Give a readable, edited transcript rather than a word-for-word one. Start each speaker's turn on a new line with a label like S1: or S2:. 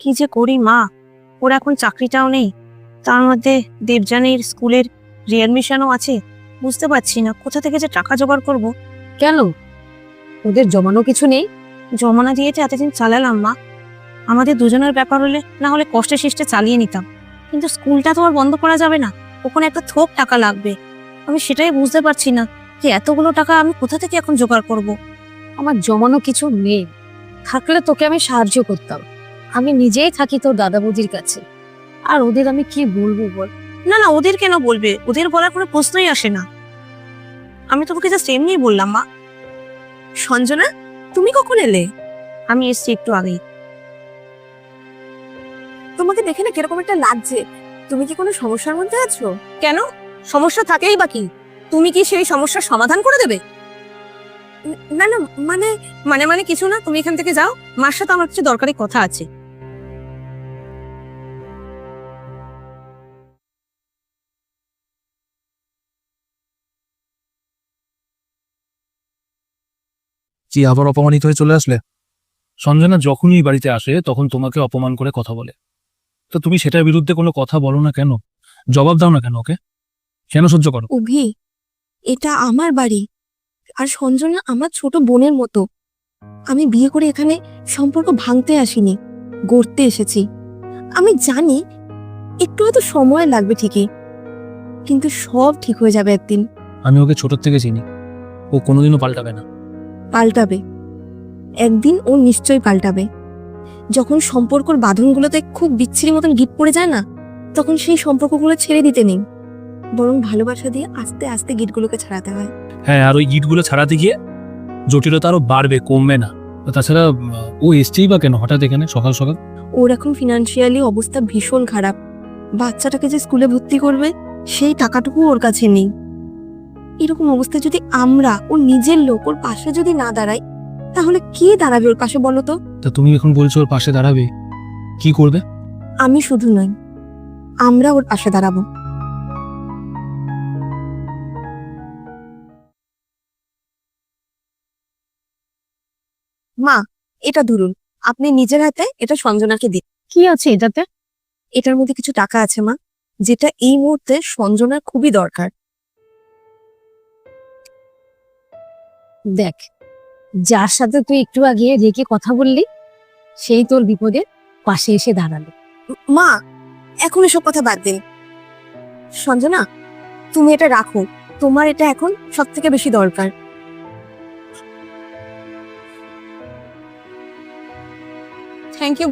S1: কি যে করি মা, ওর এখন চাকরিটাও নেই, তার মধ্যে দেবযানীর স্কুলের রিঅ্যাডমিশনও আছে। বুঝতে পারছি না কোথা থেকে যে টাকা জোগাড় করব।
S2: কেন, ওদের জমানো কিছু নেই?
S1: জমানা দিয়েছে এতদিন চালালাম মা, আমাদের দুজনের ব্যাপার হলে না হলে কষ্টে শিষ্টে চালিয়ে নিতাম, কিন্তু স্কুলটা তো আর বন্ধ করা যাবে না, ওখানে একটা থোক টাকা লাগবে। আমি সেটাই বুঝতে পারছি না যে এতগুলো টাকা আমি কোথা থেকে এখন জোগাড় করব।
S2: আমার জমানো কিছু নেই, থাকলে তোকে আমি সাহায্য করতাম। আমি নিজেই থাকি তোর দাদা বৌদির কাছে, আর ওদের আমি কি বলবো বল?
S1: না না, ওদের কেন বলবে, ওদের বলার কোনো প্রশ্নই আসে না। আমি তোমাকে জাস্ট এমনিই বললাম মা। সঞ্জনা, তুমি কখন এলে? আমি এসছি একটু আগেই।
S3: তোমাকে দেখে না কিরকম একটা লাগছে, তুমি কি কোনো সমস্যার মধ্যে আছো?
S1: কেন, সমস্যা থাকেই বা কি? তুমি কি সেই সমস্যার সমাধান করে দেবে?
S3: না না, মানে
S1: মানে মানে কিছু না, তুমি এখান থেকে যাও, মার সাথে আমার কিছু দরকারি কথা আছে।
S4: কি আবার অপমানিত হয়ে চলে আসলে? সঞ্জনা যখনই বাড়িতে আসে তখন তোমাকে অপমান করে কথা বলে, তো তুমি সেটার বিরুদ্ধে কোনো কথা বলো না কেন? জবাব দাও না কেন ওকে? কেন সহ্য করো?
S3: অভি, এটা আমার বাড়ি, আর সঞ্জনা আমার ছোট বোনের মতো। আমি বিয়ে করে এখানে সম্পর্ক ভাঙতে আসিনি, গড়তে এসেছি। আমি জানি একটু হয়তো সময় লাগবে ঠিকই, কিন্তু সব ঠিক হয়ে যাবে একদিন।
S4: আমি ওকে ছোট থেকে চিনি, ও কোনোদিনও পাল্টাবে না।
S3: পাল্টাবে, একদিন ও নিশ্চয়ই পাল্টাবে। যখন সম্পর্কর বাঁধনগুলোতে খুব বিচ্ছিরি মতন গিট পড়ে যায় না, তখন সেই সম্পর্কগুলো ছেড়ে দিতে নেই, বরং ভালোবাসা দিয়ে আস্তে আস্তে গিটগুলোকে ছাড়াতে হয়।
S4: হ্যাঁ, আর ওই গিটগুলো ছাড়াতে গিয়ে জটিলতা আরো বাড়বে, কমবে না। তাছাড়া ও এসছেই বা কেন হঠাৎ এখানে সকাল সকাল?
S3: ওর এখন ফিনান্সিয়ালি অবস্থা ভীষণ খারাপ, বাচ্চাটাকে যে স্কুলে ভর্তি করবে সেই টাকাটুকু ওর কাছে নেই। এরকম অবস্থায় যদি আমরা, ওর নিজের লোক, ওর পাশে যদি না দাঁড়াই, তাহলে কে দাঁড়াবে ওর পাশে বলো তো?
S4: তা তুমি এখন বলছো ওর পাশে দাঁড়াবে, কি করবে?
S3: আমি শুধু নই, আমরা ওর পাশে দাঁড়াবো। মা, এটা ধরুন, আপনি নিজের হাতে এটা সঞ্জনাকে দিন।
S2: কি আছে এটাতে?
S3: এটার মধ্যে কিছু টাকা আছে মা, যেটা এই মুহূর্তে সঞ্জনার খুবই দরকার।
S2: দেখ, যার সাথে তুই একটু আগে রেখে কথা বললি, সেই তোর বিপদে পাশে এসে দাঁড়ালো।
S3: মা, এখন এসব কথা বাদ দিন। সঞ্জনা, তুমি এটা রাখো, তোমার এটা এখন সব থেকে বেশি দরকার।